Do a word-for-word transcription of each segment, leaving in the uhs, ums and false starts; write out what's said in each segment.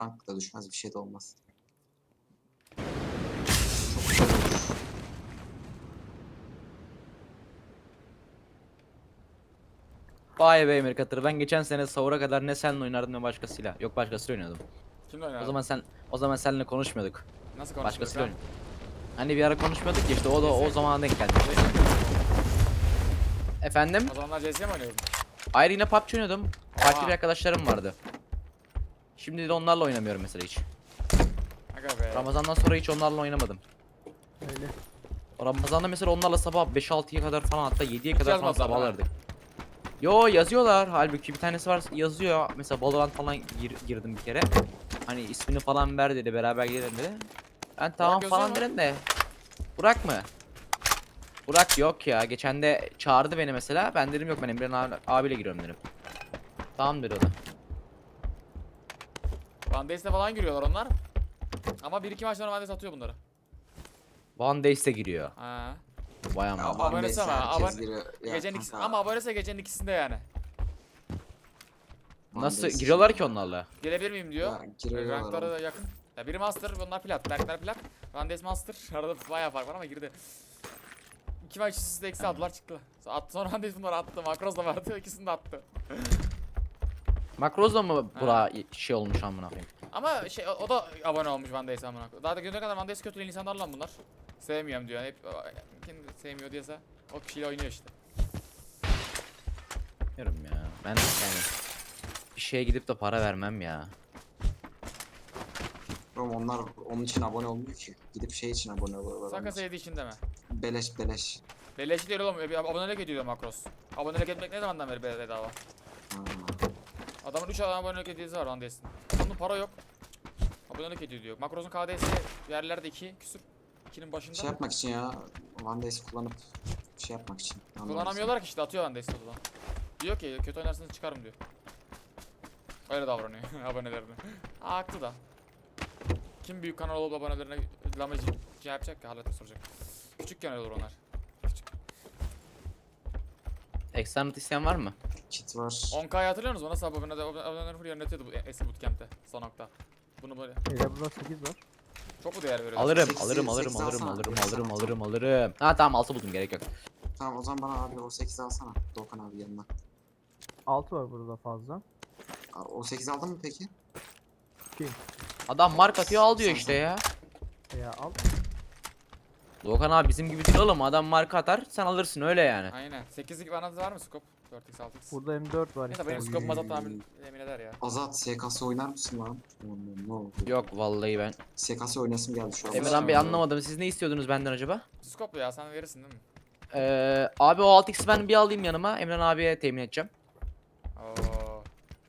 Rank da düşmez, bir şey de olmaz. Vay be Emir Katır. Ben geçen sene sahura kadar ne seninle oynardım ne başkasıyla. Yok başkasıyla oynuyordum. Kimle O oynadın? zaman sen o zaman seninle konuşmuyorduk. Nasıl konuşuyorduk Başkasıyla lan? oynuyorduk. Hani bir ara konuşmuyorduk ya işte o da o Neyse. zamana denk geldi. Efendim? O zamanlar C S mi oynuyordun? Ayrı yine P U B G oynuyordum. Farklı Oha. bir arkadaşlarım vardı. Şimdi de onlarla oynamıyorum mesela hiç. Aga be. Ramazandan sonra hiç onlarla oynamadım. Öyle. O Ramazan'da mesela onlarla sabah beş altıya kadar falan hatta yediye kadar falan yazmadılar değil mi? sabahlardık. Yo yazıyorlar halbuki bir tanesi var yazıyor. Mesela Valorant falan gir- girdim bir kere. Hani ismini falan ver dedi beraber gidelim dedi. Ben tamam yazıyor falan mu? dedim de. Burak mı? Burak yok ya. Geçen de çağırdı beni mesela. Ben dedim yok ben Emre'nin abi, abiyle giriyorum dedim. Tamam dedi o da. Van Days'te falan giriyorlar onlar. Ama bir iki maç sonra Van Days atıyor bunları. One Days'e giriyor. Ha. Vay Ya, aman. Ama Van abonesi Days'e ama, herkes abone- giriyor. Ya Gecenin ikisi, kanka, ama abonese gecenin ikisinde yani. Van Nasıl Days giriyorlar için ki ya. onlarla? Gelebilir miyim diyor. Ya, giriyorlar Rankları oğlum. da yakın. Ya biri Master, bunlar Plat. Berkler Plat. Van Days Master. Arada bayağı fark var ama girdi. İki maç üst üste eksi aldılar çıktı. Attı sonra Van Days bunları attı. Makros da vardı. İkisini de attı. Makrozla mı bura şey olmuş amına koyayım? Ama şey o, o da abone olmuş Van Days'e amına koyayım. Daha da güne kadar Van Days kötü insanlar lan bunlar. Sevmiyorum diyor. Hep kim sevmiyor diyese o kişiyle oynuyor işte. Bilmiyorum ya. Ben yani bir şeye gidip de para vermem ya. Oğlum onlar onun için abone olmuyor ki. Gidip şey için abone oluyorlar. Saka onlar. sevdiği için deme. Beleş beleş. Beleşi değil oğlum. Bir abonelik ediyor Makros. Abonelik etmek ne zamandan beri bedava? Ha. Adamın üç abonelik hediyesi var Van Days'in. Onun para yok. Abonelik ediyor diyor. Makros'un K D S'si yerlerde iki küsür. ikinin başında. Şey yapmak için ya. Van Days kullanıp şey yapmak için. Anladın Kullanamıyorlar ki işte atıyor Van Days'i odadan. Diyor ki kötü oynarsanız çıkarım diyor. Öyle davranıyor abonelerine. Aa, haklı da. Kim büyük kanal olup abonelerine lamacı şey yapacak ki halletip soracak. Küçük kanal olur onlar. Küçük. Eksternat isteyen var mı? sen? Kit var. on K'yı hatırlıyor musunuz? Nasıl abone aboneler full yönetiyordu bu eski bootcamp'te son nokta. Bunu böyle Beyler burada sekiz var. çok mu değer veriyor? Alırım, sekiz- alırım, alırım, sekiz alırım, alsana. alırım, sekiz alırım, alsana. alırım, alırım. Ha tamam altı buldum gerek yok. Tamam o zaman bana abi o sekizi alsana. Doğukan abi yanına. altı var burada fazla. Aa, o sekiz aldın mı peki? Adam mark atıyor al diyor Sen- işte sen- ya. Veya al. Doğukan abi bizim gibi değil oğlum adam marka atar sen alırsın öyle yani. Aynen. sekizlik bana var mı scope? dört x altı x. Burada M dört var. Neyse benim istersen. scope'um azat tahmin emin eder ya. Azat S K S oynar mısın lan? Aman, ne oldu? Yok vallahi ben. S K S oynasım geldi şu an. Emirhan Bey anlamadım siz ne istiyordunuz benden acaba? Scope ya sen verirsin değil mi? Ee, abi o altı x'i ben bir alayım yanıma Emran abiye temin edeceğim. Oo.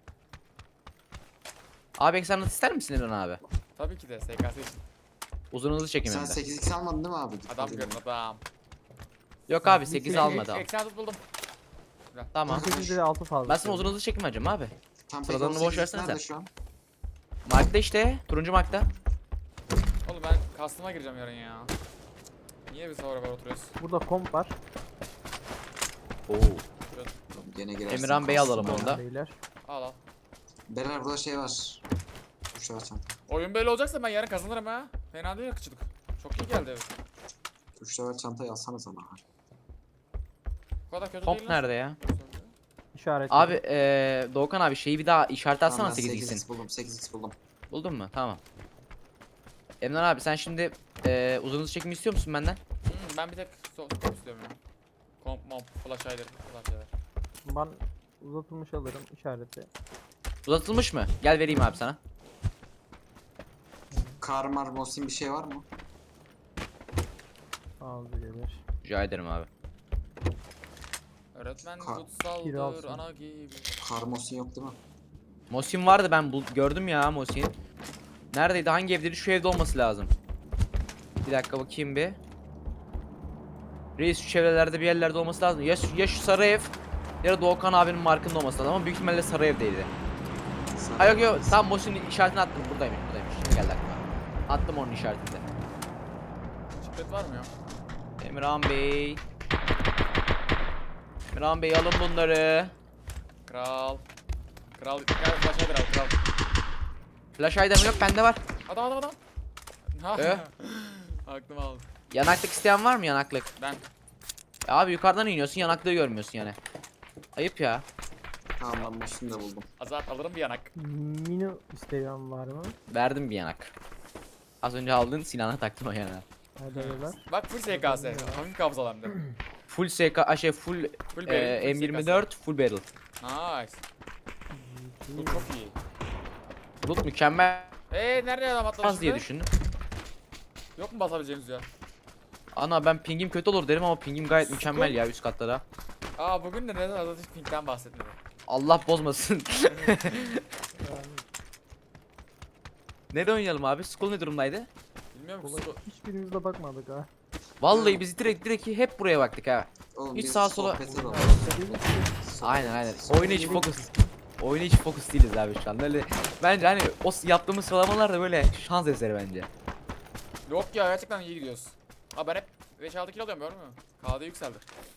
Abi eksternat ister misin Emran abi? Tabii ki de S K S için. Uzun hızlı çekim Sen hem de. sekiz x almadın değil mi abi? Adam görün adam. Yok abi sekiz almadı abi. Eksen tut buldum. Tamam. sekiz ile altı fazla. Ben sana uzun hızlı çekim vereceğim abi. Tam Sıradanını boş versene sen. Şu an? Mark'ta işte. Turuncu mark'ta. Oğlum ben customer'a gireceğim yarın ya. Niye biz sonra böyle oturuyoruz? Burada komp var. Oo. Gene girersin. Emirhan Bey alalım Aslında. onu da. Beyler. Al al. Beyler burada şey var. Şu var çanta. Oyun böyle olacaksa ben yarın kazanırım ha. Fena değil yakıcılık. Çok iyi geldi. Üç level çantayı alsanız ama. Bu kadar kötü Komp değil lan. nerede ya? İşaret. Abi eee Doğukan abi şeyi bir daha işaret atsana Tamam, ben sekiz sekiz x'in. x buldum. sekiz x buldum. Buldun mu? Tamam. Emran abi sen şimdi eee uzun hızlı çekim istiyor musun benden? Hmm, ben bir tek so scope istiyorum ya. Komp momp flash hider falan şeyler. Ben uzatılmış alırım işareti. Uzatılmış mı? Gel vereyim abi sana. Karmar Mosin bir şey var mı? Ağzı gelir. Rica ederim abi. Öğretmen Ka- kutsaldır Kiralsın. ana gibi. Kar Mosin yok değil mi? Mosin vardı ben bul gördüm ya Mosin. Neredeydi? Hangi evdeydi? Şu evde olması lazım. Bir dakika bakayım bir. Reis şu çevrelerde bir yerlerde olması lazım. Ya, şu- ya şu sarı ev ya da Doğukan abinin markında olması lazım ama büyük ihtimalle sarı evdeydi. Ha yok yok tam Mosin'in işaretini attım buradaymış buradaymış. Şimdi geldi aklıma. Attım onun işaretini de. Şifret var mı ya? Emirhan Bey. Emirhan Bey alın bunları. Kral. Kral gel flash hider al kral. Flash item yok, bende var. Adam adam adam. Ha. Ee? Aklım aldı. Yanaklık isteyen var mı, yanaklık? Ben. Ya abi yukarıdan iniyorsun, yanaklığı görmüyorsun yani. Ayıp ya. Tamam ben şunu da buldum. Azat alırım bir yanak. Mini isteyen var mı? Verdim bir yanak. Az önce aldığın silahına taktım o yanağı. Hadi beyler. Bak full S K S. Hafif kabzalandı. Full S K, a, şey full, Full e, barrel, full M yirmi dört, full barrel. Nice. Bu çok iyi. Bulut mükemmel Eee nerede adam atlamış az diye şimdi? düşündüm. Yok mu basabileceğimiz ya? Ana ben pingim kötü olur derim ama pingim gayet mükemmel ya üst katlara. Aa bugün de neden Azat hiç pinkten bahsetmedi? Allah bozmasın. Nerede oynayalım abi? School ne durumdaydı? Bilmiyorum Kolay. ki. Hiçbirimiz de bakmadık ha. Vallahi biz direkt direkt hep buraya baktık ha. Oğlum Hiç biz sağa sola- sohbete dalalım. Aynen aynen. Oyuna hiç fokus. Oyuna hiç fokus değiliz abi şu an. Böyle bence hani o s- yaptığımız sıralamalar da böyle şans eseri bence. Yok ya gerçekten iyi gidiyoruz. Aa ben hep beş altı kilo alıyorum görmüyor musun? K D yükseldi.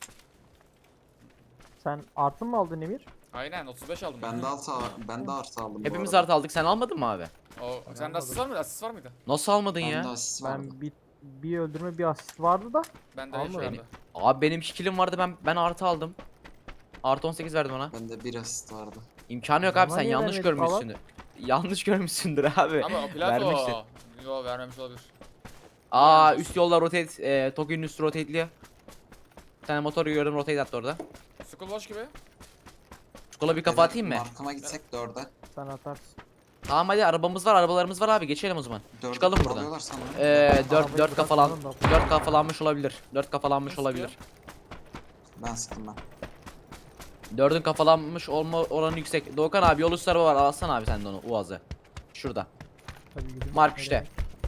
Sen artı mı aldın Emir? Aynen otuz beş aldım. Ben de artı ben de artı aldım. bu Hepimiz arada. artı aldık, sen almadın mı abi? O, sende asist var mıydı? Asist var mıydı? Nasıl almadın Ben de ya? asist vardı. Ben bir bir öldürme bir asist vardı da. Bende Alma hiç beni. vardı. Abi benim iki killim vardı, ben ben artı aldım. Artı on sekiz verdim ona. Bende bir asist vardı. İmkanı yok abi, Bana sen niye yanlış vermedin falan? görmüşsündür. Yanlış görmüşsündür abi. Ama o plato. Vermiştir. Yo vermemiş olabilir. Aa Vermiş. üst yolda rotate, e, Tokyo'nun üstü rotateliyor. Bir tane motor gördüm, rotate attı orada. Skull boş gibi. Çikola bir kafa Beyler, atayım mı? Markama gitsek dörde. Sen atarsın. Tamam hadi, arabamız var, arabalarımız var abi, geçelim o zaman. Dörde Çıkalım buradan. kovalıyorlar sanırım. Ee, dört Arabayı dört kafalan bırakmanın da- dört kafalanmış olabilir. Dört kafalanmış Nasıl olabilir. Ben sıktım ben. Dördün kafalanmış olma oranı yüksek. Doğukan abi yol üstü araba var, alsana abi sen de onu, Uaz'ı. Şurada. Hadi gidelim. Mark işte.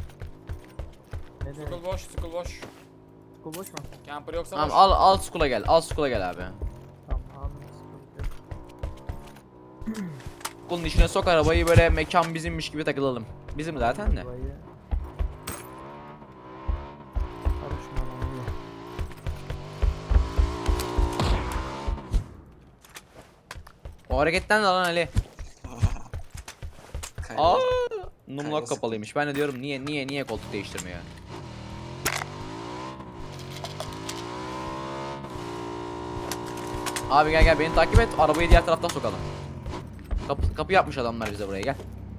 Ne demek? Skull boş, skull boş. Skol boş mu? Camper yoksa Tamam boş. al al skula gel. Al skula gel abi. Tamam anladım. Sıkıntı yok. Skulun içine sok arabayı, böyle mekan bizimmiş gibi takılalım. Bizim zaten de. Arabayı- Karışma lan, iyi. O hareketten de lan Ali. Kaydı. Aa, numlok Kayası. kapalıymış. Ben de diyorum niye niye niye koltuk değiştirmiyor? Abi gel gel beni takip et. Arabayı diğer taraftan sokalım. Kapı, kapı yapmış adamlar bize buraya, gel.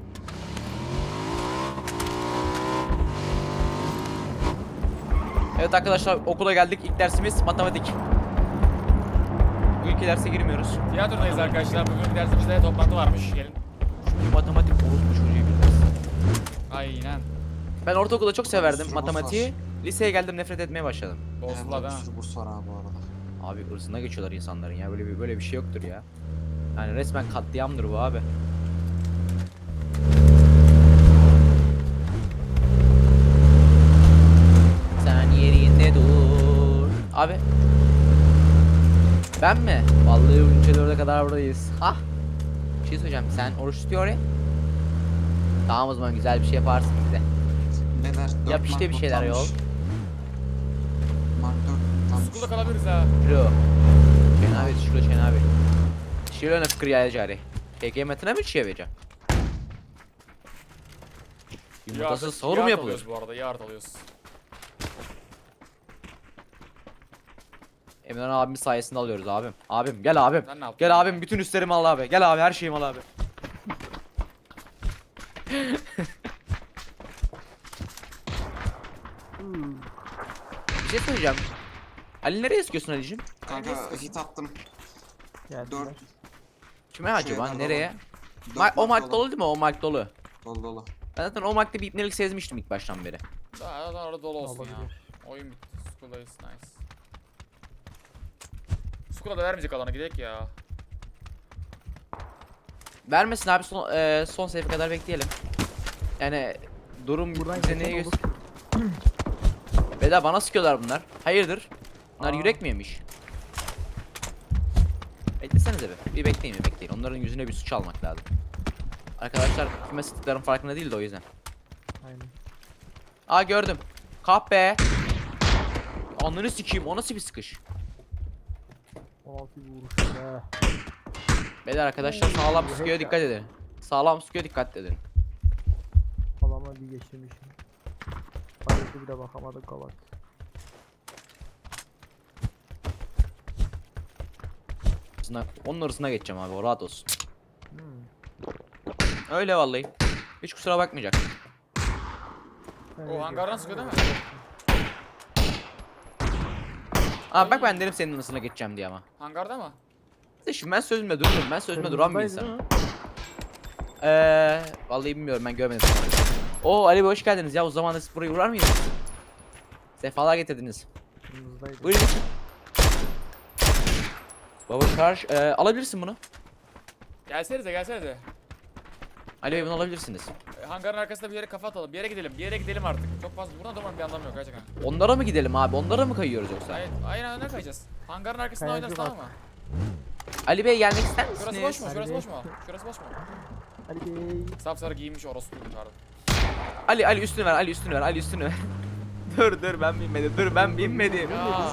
Evet arkadaşlar, okula geldik. İlk dersimiz matematik. Bu ilk derse girmiyoruz. Tiyatrodayız arkadaşlar. Bugün dersimizde toplantı varmış. Gelin. Çünkü matematik orospu çocuğu bir ders. Aynen. Ben ortaokulda çok severdim sürü matematiği. burs Liseye geldim, nefret etmeye başladım. Evet, Bozdular bir ha. sürü burs var abi bu arada. Abi ırzına geçiyorlar insanların ya, böyle bir böyle bir şey yoktur ya. Yani resmen katliamdır bu abi. Sen yerinde dur. Abi. Ben mi? Vallahi üçe dörde kadar buradayız. Ha? Bir şey söyleyeceğim. Sen oruç tutuyor ya. Tamam o zaman, güzel bir şey yaparsın bize. Neler? dört Yap işte mark bir şeyler yol. notlanmış. Mark dört notlanmış. School'da kalabiliriz ha. Şuro. Şen abi, şuro Şen abi. Şiro ne fikir ya cari. T K metine mi çiğe vereceğim? Yumurtasız Yard- sahur mu yard yapılıyor? alıyoruz bu arada, yard alıyoruz. Emran abimiz sayesinde alıyoruz abim. Abim gel abim. Sen ne yaptın? Gel abim, bütün üstlerimi al abi. Gel abi, her şeyimi al abi. Hmm. Bir şey söyleyeceğim. Ali nereye sıkıyorsun Ali'cim? Kanka hit attım. Geldiler. dört Kime acaba? Şeyler Nereye? dolu. dört Ma- o mark mark dolu değil mi? O mark dolu. Dolu dolu. Ben zaten o markta bir ipnelik sezmiştim ilk baştan beri. Daha daha orada dolu olsun ya. Olabilir. Oyun bitti. School'dayız. Nice. School'a da vermeyecek alanı, gidelim ya. Vermesin abi, son, e, son sayfa kadar bekleyelim. Yani durum Buradan bize geçen neye olur. göster... Beda bana sıkıyorlar bunlar. Hayırdır? Bunlar Aa. yürek mi yemiş? Beklesenize be. Bir bekleyin bir bekleyin. Onların yüzüne bir suç almak lazım. Arkadaşlar kime sıktıkların farkında değil de o yüzden. Aynen. Aa gördüm. Kahpe. Ananı sikeyim, o nasıl bir sıkış? on altı vuruş be. Beyler arkadaşlar sağlam Bu sıkıyor, hack dikkat edin. Sağlam sıkıyor, dikkat edin. Ama bir geçirmişim. Paleti bile bakamadık kavat. Arasına- Onun arasına geçeceğim abi, o rahat olsun. Hmm. Öyle vallahi. Hiç kusura bakmayacak. Sen O ne hangardan diyorsun? sıkıyor değil mi? Abi bak ben dedim senin arasına geçeceğim diye ama. Hangarda mı? İşte şimdi ben sözümde durmuyorum. Ben sözümde duran bir Kırmızıdaydı insanım. değil mi? Eee vallahi bilmiyorum, ben görmedim. Oo Ali Bey hoş geldiniz ya, o zaman da siz buraya uğrar mıydınız? Sefalar getirdiniz. Kırmızıdaydı. Buyurun geçin. Baba karşı eee, alabilirsin bunu. Gelsenize gelsenize. Ali Bey bunu alabilirsiniz. E, Hangarın arkasında bir yere kafa atalım. Bir yere gidelim. Bir yere gidelim artık. Çok fazla buradan durmanın bir anlamı yok gerçekten. Onlara mı gidelim abi? Onlara mı kayıyoruz yoksa? Hayır, aynen öne kayacağız. Hangarın arkasında Kayacı oynarız bak. tamam mı? Ali Bey gelmek ister Şurası boş misiniz? mu? Hadi Şurası be. boş mu? Şurası boş mu? Ali Bey. Sapsarı giyinmiş orospu pardon. Ali Ali üstünü ver, Ali üstünü ver, Ali üstünü ver. dur dur ben binmedim, dur ben binmedim. Ya.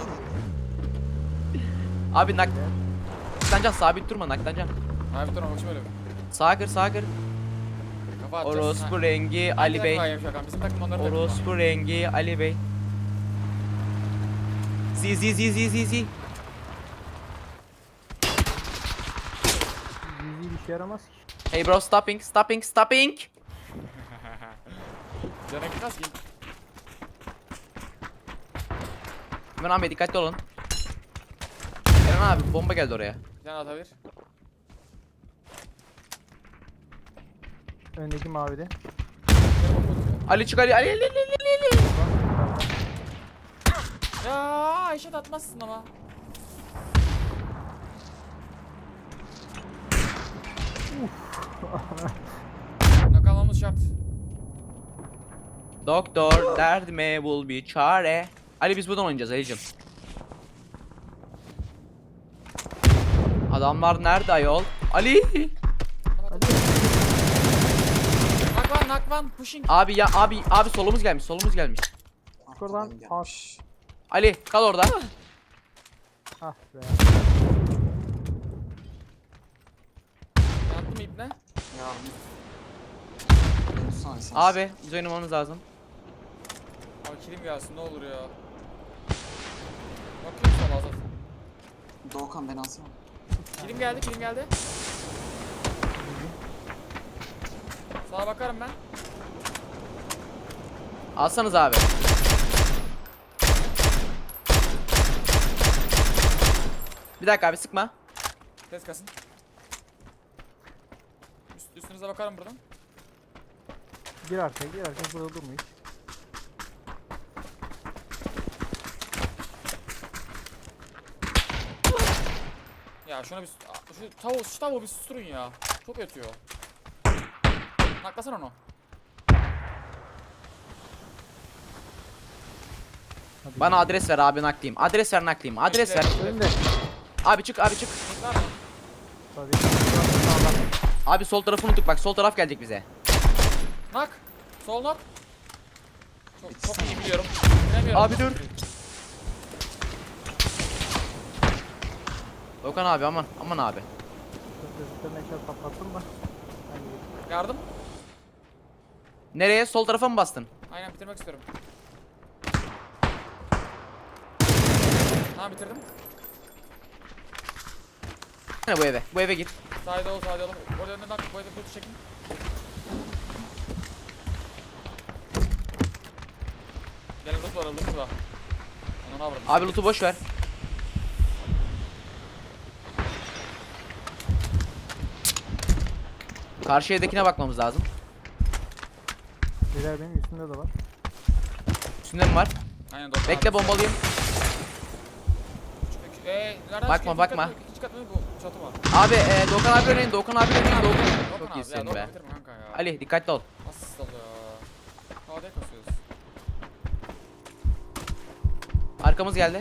Abi nak... Naklancan sabit durma, naklancan. Abi dur bak şöyle. Sağa kır, sağa kır. Kafa atacağız. Orospu Ha. rengi Hangi Ali takım Bey. var Şakan? Bizim takım onların takımı. Orospu rengi Ali Bey. Zi zi zi zi zi zi. Zizi bir şey yaramaz ki. Hey bro, stopping, stopping, stopping. Canı gitmez ki. Hemen abi dikkatli olun. Eren abi bomba geldi oraya. Can atabilir. Öndeki mavide. Ali çık Ali Ali Ali Ali Ali. Ya eşit atmazsın ama. Nakalmamız şart. Doktor derdime bul bir çare. Ali biz buradan oynayacağız Ali'cim. Adamlar nerede ayol? Ali! Nakvan nakvan pushing. Abi ya abi abi solumuz gelmiş, solumuz gelmiş. Oradan Arkadan gelmiş. Ali kal orada. Ah be. Yattım ipne. Ya. Ben tutsana sen. Abi biz oynamamız lazım. Abi kilim gelsin ne olur ya. Bakıyorum sana Azat. Doğukan beni alsana. Kilim geldi kilim geldi. Sana bakarım ben. Alsanız abi. Bir dakika abi sıkma. Ses kasın. Üst, üstünüze bakarım buradan. Gir arkaya gir arkaya burada durma hiç. Ya şuna bir şu tavuğu şu tavuğu bir susturun ya. Çok ötüyor. Naklasana onu. Hadi Bana adres ver abi naklayayım. Adres ver naklayayım. Adres ver. önde. Abi çık abi çık. Var mı? Tabii. Abi sol tarafı unuttuk bak, sol taraf gelecek bize. Nak. Sol nak. Çok, Bitti çok sana. iyi biliyorum. Bilemiyorum. Abi dur. Dokan abi aman aman abi. Gözlüklerine eşya patlattım da. Hadi. Yardım. Nereye? Sol tarafa mı bastın? Aynen bitirmek istiyorum. Tamam bitirdim. Ne bu eve? Bu eve git. Sağda ol sağda ol. Orada önden nak. Bu evde bir çekin. Gelin loot var loot var. Onu ne yapalım? Abi loot'u boş ver. Karşı evdekine bakmamız lazım. Beyler benim üstümde de var. Üstünde mi var? Aynen doktor. Bekle bombalıyım. Eee nereden Bakma, çıkıyor? bakma. İkinci kat mı? İkinci kat mı? Bu çatı var. Abi e, Dokan abi örneğin Dokan abi örneğin Dokan. Dokun Çok abi, iyisin ya, dokun be. bitirme kanka ya. Ali dikkatli ol. Nasıl oldu ya? Hadi kasıyoruz. Arkamız geldi.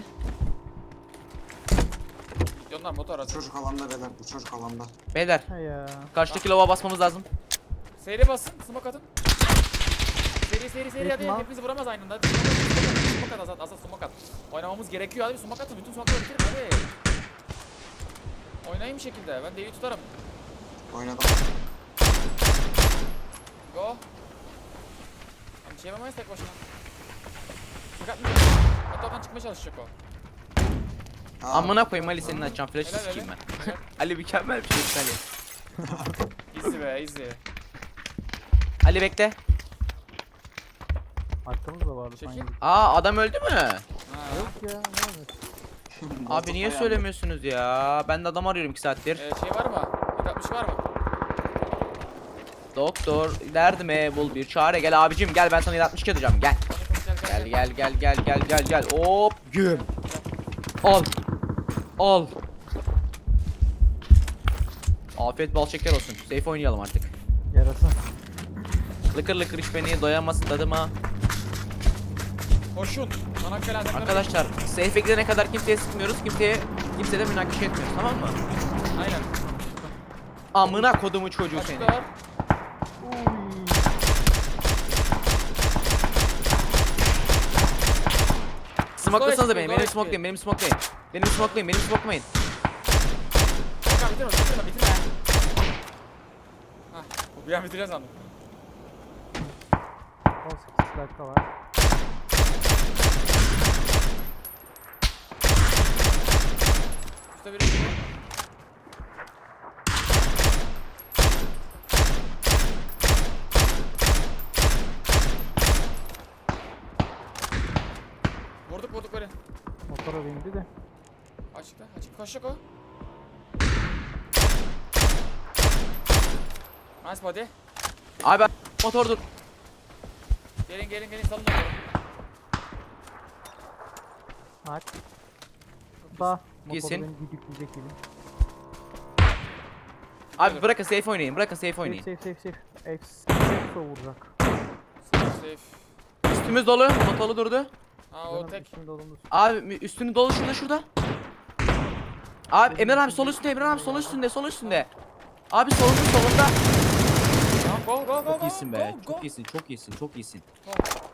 Yollar motor Bu arası. çocuk alanda beyler. Bu çocuk alanda. Beyler Ha ya. karşıdaki lava basmamız lazım. Seri basın, smoke atın. Seri seri seri hadi Etme. hepimizi vuramaz aynı anda. Hadi smoke at, Azat, Azat smoke at. Oynamamız gerekiyor hadi bir smoke atın, bütün smoke'ları bitirin hadi. Oynayın bir şekilde, ben D'yi tutarım. Oynadım. Go. Şey yapamayız tek başına. Fakat hatta oradan çıkmaya çalışacak o. Aa, Amına koyayım Ali senin açacağım flash'ı Helal, sikeyim helal. ben. Helal. Ali mükemmel bir şey Ali. Easy be easy. Ali bekle. Arkamızda vardı Çekil. sanki. Aa adam öldü mü? Ha. Yok ya ne olmuş? Abi niye Molotof söylemiyorsunuz ya? Ben de adam arıyorum iki saattir. Ee, şey var mı? yedi altmış var mı? Doktor derdime bul bir çare, gel abicim gel, ben sana yedi altmış iki atacağım, gel. Gel gel gel gel gel gel gel hop güm. Al. Al. Afiyet bal şeker olsun. Safe oynayalım artık. Yarasa. Lıkır lıkır iç beni, doyamazsın tadıma. Koşun. Çanakkale Hazretleri. Arkadaşlar safe'e gidene kadar kimseye sıkmıyoruz. Kimseye kimseye de münakaşa etmiyoruz, tamam mı? Aynen. Amına kodumu çocuğu seni. Açıkta var. Uy. Smoklasanıza beni, Gayet benim iyi. smoklayın, benim smoklayın. Benim smoklayın, benim smoklayın. Bakalım bitirme bitirme bitirme. Hah. Bu bir an bitiriyor sandım. on sekiz dakika var. Üstte biri. Vurduk vurduk böyle. Motora bindi de. Açıkta açık koşacak o. Nice body. Abi motor dur. Gelin gelin gelin salın motoru. Aç. Da. Motoru Gitsin. beni düdükleyecek gibi. Abi bırakın safe oynayın, bırakın safe Safe oynayın. safe safe safe. Safe safe vuracak. Safe safe. Üstümüz dolu, motorlu durdu. Ha o Canım tek. içinde olumlu. Abi mü- üstünü dolu şurada şurada. Abi Emre abi sol üstünde, Emre abi sol üstünde, sol üstünde. Abi solunda solunda. Tamam go go go Çok go. iyisin go, be, go. çok iyisin, çok iyisin, çok iyisin. Go.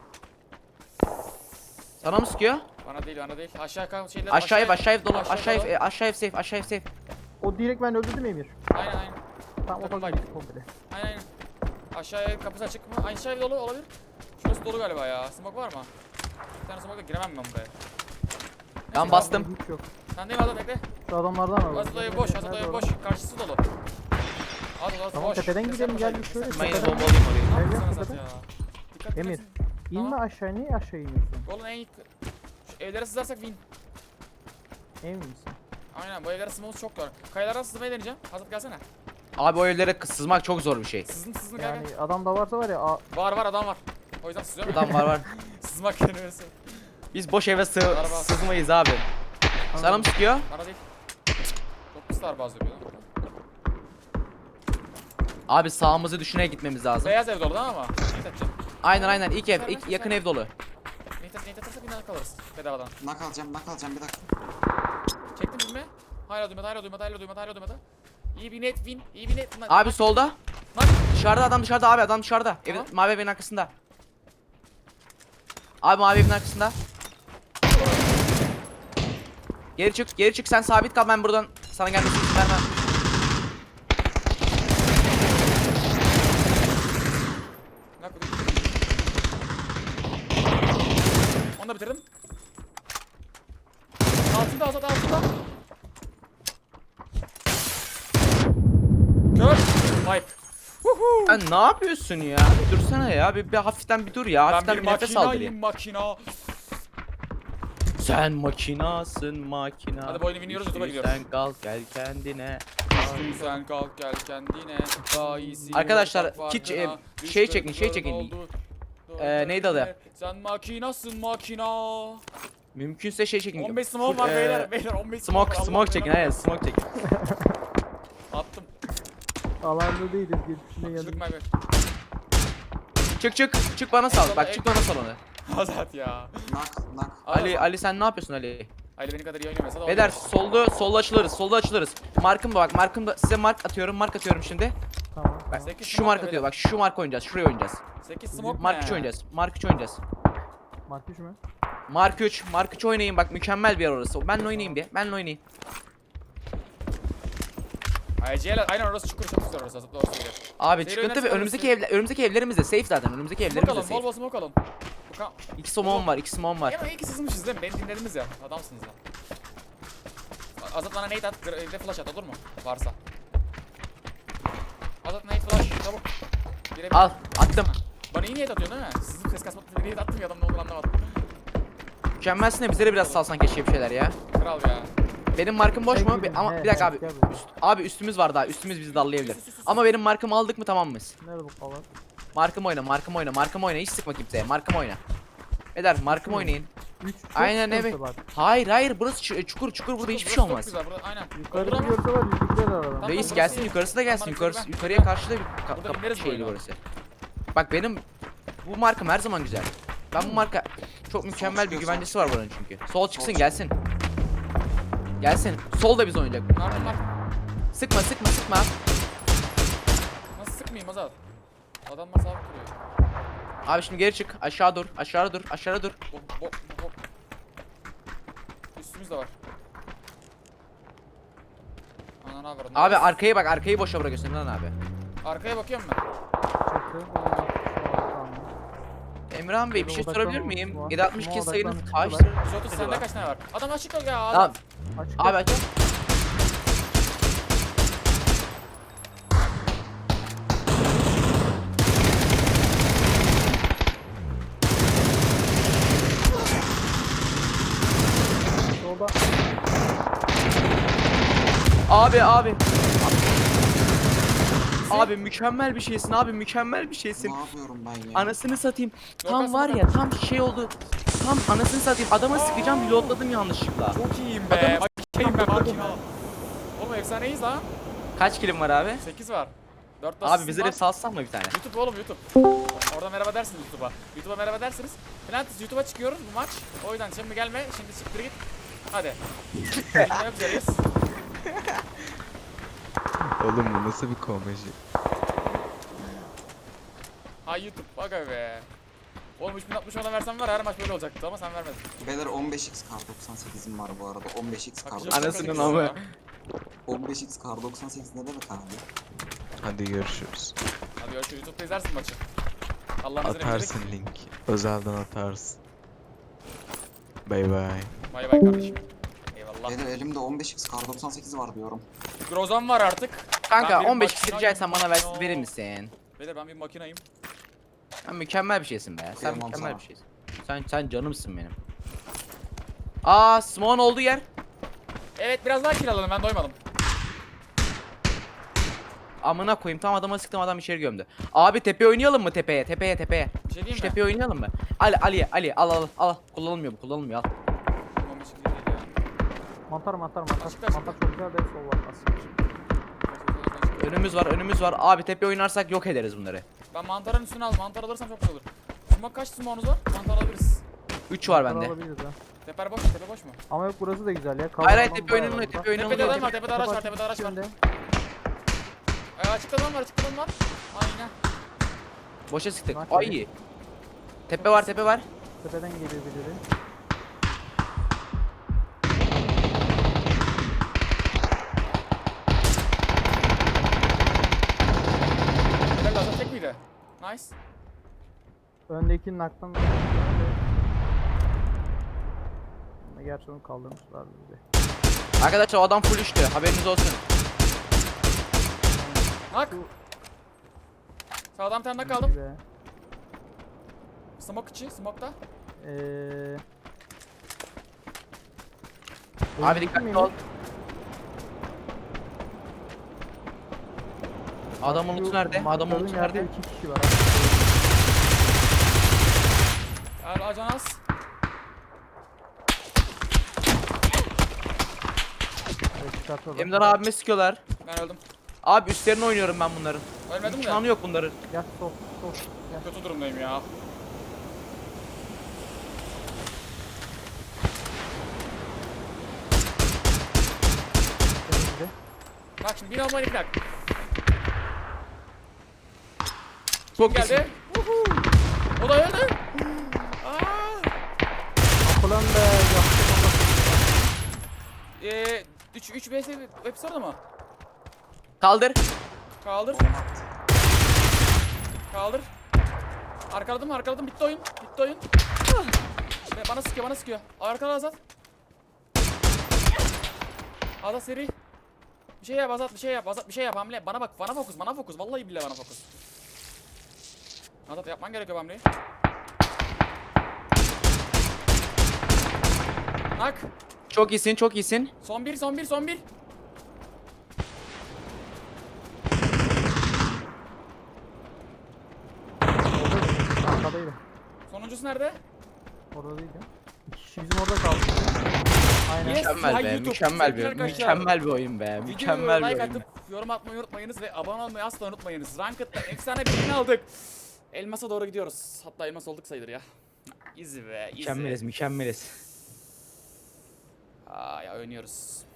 Sana mı sıkıyor? Bana değil bana değil. Aşağı kal şeyler. Aşağıya aşağıya dolu, aşağı aşağıya dolu. e, aşağıya safe, aşağıya safe. O direkt ben öldürdüm Emir. Aynen aynen. Tam Takım motor bak. gitti komple. Aynen aynen. Aşağıya kapısı açık mı? Aşağı ev dolu olabilir. Şurası dolu galiba ya. Smoke var mı? Bir tane smoke'la giremem ben buraya. Ben Neyse, bastım. Hiç yok. Sen değil mi adam bekle. Şu adamlardan al. Azat ev boş, Azat ev boş. Karşısı dolu. Azat Azat Tamam, boş. tepeden Desene gidelim, boşa, gel bir şöyle. desene Ben yine boşa. bombalayayım orayı. Ne Gel, yapıyorsun gel, Azat tepeden. ya? Dikkat Emir. etsin. İnme Tamam. aşağı, niye aşağı iniyorsun? Golun en iyi... Şu evlere sızarsak win. Emin misin? Aynen bu evlere sızmamız çok zor. Kayalardan sızmayı deneyeceğim. Hazır gelsene. Abi o evlere sızmak çok zor bir şey. Sızın sızın gel Yani gel. adam da varsa var ya. A Var var adam var. O yüzden sızıyorum. Adam var var. Sızmak kelimesi. Biz boş eve sığ Araba. sızmayız abi. Sana mı sıkıyor? Bana değil. Çok pis bazı yapıyor lan. Abi sağımızı düşüne gitmemiz lazım. Beyaz ev dolu değil mi ama? Neyit edeceğim. Aynen aynen ilk ev, Güzel, ilk güzel. yakın ev dolu. Neyit et, neyit edersek bir kalırız. Bedavadan. Nak alacağım, nak alacağım bir dakika. Çektin mi? Hala duymadı, hala duymadı, hala duymadı, hala duymadı. İyi bir net win, iyi bir net. Abi solda. Bak. Dışarıda adam dışarıda abi, adam dışarıda. Evin, Tamam. mavi evin arkasında. Abi mavi evin arkasında. Geri çık, geri çık, sen sabit kal, ben buradan sana gelmesini izin vermem. Nak Onu da bitirdim. Altında Azat altında. Kör. Wipe. Woohoo. Sen ne yapıyorsun ya? Bir dursana ya, bir, bir hafiften bir dur ya, Ben hafiften bir bir nefes al makinayım direkt. makina. Sen makinasın makina. Hadi bu oyunu biniyoruz, YouTube'a Güçlü gidiyoruz. Sen kalk gel kendine. Düştün sen kalk gel kendine. Daha iyisi. Arkadaşlar, yok, bak hiç, farkına. e, şey Düştün, çekin, şey sorun çekin. oldu. Ee, neydi adı? Sen makinasın makina. Mümkünse şey çekin. on beş smoke Full, var e, beyler. Beyler on beş Smoke, var, Allah smoke çekin, belanı hayır versin. smoke çekin. Attım. Alanda değiliz. Geçişine Çocuk geldik. Mayber. Çık çık, çık bana sal, bak çık bana sal onu. Azat ya. Nak, nak. Ali, Ali sen ne yapıyorsun Ali? Ali beni kadar iyi oynamasa da Beyler oynuyor. solda, solda açılırız, solda açılırız. Markım da bak, markım da size mark atıyorum, mark atıyorum şimdi. Tamam. Bak tamam. Sekiz şu smoke mark da atıyor, beyler. bak şu mark oynayacağız, şuraya oynayacağız. sekiz smoke Mark ne? üç oynayacağız, Mark üç oynayacağız. Mark üç mü? Mark üç, Mark üç oynayın bak, mükemmel bir yer orası. Benle oynayayım diye, benle oynayayım. Ay Ceylan aynen orası çukur çok güzel orası. Doğru söylüyor. Abi Seyir çıkıntı ve oynarsan önümüzdeki orası- evler önümüzdeki evlerimiz de safe zaten. Önümüzdeki Smoke evlerimiz de alın, bol safe. bol smoke alın. Buka. İki somon var, iki somon var. Ama iyi ki sızmışız değil mi? Beni dinlediniz ya. Adamsınız ya. Azat bana nade at, evde flash at olur mu? Varsa. Azat nade flash, çabuk. Girebilir. Al, attım. Bana iyi niyet atıyorsun değil mi? Sizin ses kasmak niyet attım ya adam ne olduğunu anlamadım. Mükemmelsin de bize de biraz salsan keşke bir şeyler ya. Kral ya. Benim markım boş mu? Peki, Bir- Ama he, bir dakika he, abi. gel buraya. Üst, abi üstümüz var daha. Üstümüz bizi dallayabilir. Ama benim markımı aldık mı tamam mıyız? Nerede bu kalan? Markım oyna, markım oyna, markım oyna. Hiç sıkma kimseye. Markım oyna. Eder, markım mü? oynayın. üç çok Aynen, sıkıntı evet. bak. Hayır hayır burası çu- çukur çukur burada hiçbir şey Burası çok olmaz. güzel, burada- aynen. Yukarı Burada bir ama- görse var yüzükler aradan. Tamam, Reis burası gelsin iyi. yukarısı da gelsin. Tamam, Yukarısı, yukarı ben- yukarıya karşı da bir ka- Burada kapı ineriz bu şeyli oyuna. burası. Bak benim bu markam her zaman güzel. Ben bu marka çok mükemmel bir çıkıyor, güvencesi sol var buranın çünkü. Sol çıksın çıkıyor. gelsin. Gelsin. Sol da biz oynayacak. Ne yapayım bak. Sıkma sıkma sıkma. Nasıl sıkmayayım Azat? Adamlar sabit duruyor. Abi şimdi geri çık. Aşağı dur. Aşağı dur. Aşağı dur. Bok bok bok. Üstümüz de var. Ana ne haber? Abi arkayı bak. Arkayı boşa bırakıyorsun lan abi. Arkaya bakıyorum ben. Çakı. Tamam. Emirhan Bey bir şey Odaklanma sorabilir olsun miyim? var. yedi altmış iki Ama sayınız odaklanma kaçtır? yüz otuz sende kaç tane var? Adam açık ol ya. Tamam. Azat. Açık. Abi aç. Solda. Abi abi. Abi mükemmel bir şeysin abi mükemmel bir şeysin. Ne yapıyorum ben ya? Anasını satayım. Yok, Tam aslında var ya tam şey oldu. Tam anasını satayım. Adama sıkacağım reloadladım yanlışlıkla. Çok iyiyim be. Makiyim be makine. Oğlum efsaneyiz lan. Kaç kilim var abi? sekiz var. dört Abi bize de salsan mı bir tane? YouTube oğlum YouTube. Orada merhaba dersiniz YouTube'a. YouTube'a merhaba dersiniz. Plantis YouTube'a çıkıyoruz bu maç. O yüzden şimdi gelme. Şimdi siktir git. Hadi. Görüşmek üzereyiz. Oğlum bu nasıl bir komedi? Ha YouTube. Aga be. Oğlum üç bin altmış ona versem var her maç böyle olacaktı ama sen vermedin. Beyler on beş x kar doksan sekizim var bu arada. on beş x kar Bakacağız, doksan Anasının bakacağız amı. ya. on beş x kar doksan sekiz ne demek abi? Hadi görüşürüz. Hadi görüşürüz. YouTube'da izlersin maçı. Allah'ın izniyle Atarsın link. Özelden atarsın. Bay bay. Bay bay kardeşim. Eyvallah. Beyler elimde on beş x kar doksan sekiz var diyorum. Grozan var artık. Kanka Ben bir on beş makina- rica etsem bana ver, makina- verir misin? Beyler ben bir makinayım. Sen mükemmel bir şeysin be. Sen Kıyamam mükemmel sana. bir şeysin. Sen sen canımsın benim. Aa, Smon olduğu yer. Evet biraz daha kiralalım ben doymadım. Amına koyayım tam adama sıktım adam içeri gömdü. Abi tepe oynayalım mı tepeye tepeye tepeye. Bir şey Şu diyeyim mi? tepeye oynayalım mı? Ali Ali Ali al al al. Kullanılmıyor bu kullanılmıyor al. Tamam, bir şey değil ya. Mantar mantar mantar. Açıkta, açıkta. Mantar çok güzel de sol var aslında. Önümüz var önümüz var. Abi tepe oynarsak yok ederiz bunları. Ben mantarın üstüne al. Mantar alırsam çok güzel olur. Smoke kaç smoke'unuz var? Mantar alabiliriz. üç var Mantar bende. alabiliriz ha. Teper boş mu? Tepe boş mu? Ama yok burası da güzel ya. Hayır hayır Kavga tepe falan oynanıyor bayağı tepe var. Tepede adam oynanıyor. var. Tepede araç var. Tepede araç var. Önde. Ee, açıkta adam var. Açıkta adam var. Aynen. Boşa sıktık. Bak Ay öyle. iyi. Tepe var tepe var. Tepeden geliyor birileri. Tepe lazım tek miydi? Nice. Öndekinin aklından. Gerçi onu kaldırmışlar bizi. Arkadaşlar o adam full üçtü. Haberiniz olsun. Nak. Sağdan bir tane nak aldım. Be. Smoke içi. Smoke'da. Eee. Abi dikkatli ol. Adamın lootu nerede? Adamın lootu nerede? İki kişi var. Gel ajanas. Evet, çıkartıyorlar. Emdan abime sıkıyorlar. Ben öldüm. Abi üstlerine oynuyorum ben bunların. Ölmedim de. İmkanı yok bunların. Gel sol sol. Gel. Kötü durumdayım ya. Önümüzde. Bak şimdi bir normal iki dakika. Çok Geldi. iyisin. Woohoo. O da öldü. Aa. Kapılan be. Yaptım Eee üç üç vs hepsi orada mı? Kaldır. Kaldır. Kaldır. Arkaladım arkaladım bitti oyun. Bitti oyun. Be- Bana sıkıyor bana sıkıyor. Arkala Azat. Azat seri. Bir şey yap Azat bir şey yap Azat bir şey yap hamle. Bana bak bana fokus bana fokus. Vallahi billahi bana fokus. Azat yapman gerekiyor hamleyi. Nak. Çok iyisin, çok iyisin. Son bir son bir son bir. Oradaydı. Arkadaydı. Sonuncusu nerede? Orada değil ya. İki kişi bizim orada kaldı. Aynen. Yes. Mükemmel Ya be, YouTube, mükemmel bir, sevgili arkadaşlar. mükemmel bir oyun be, Videoya mükemmel bir like oyun. atıp yorum atmayı unutmayınız ve abone olmayı asla unutmayınız. Ranked'da efsane bir win aldık. Elmas'a doğru gidiyoruz. Hatta elmas olduk sayılır ya. Easy be, easy. Mükemmeliz, mükemmeliz. Aa ya oynuyoruz.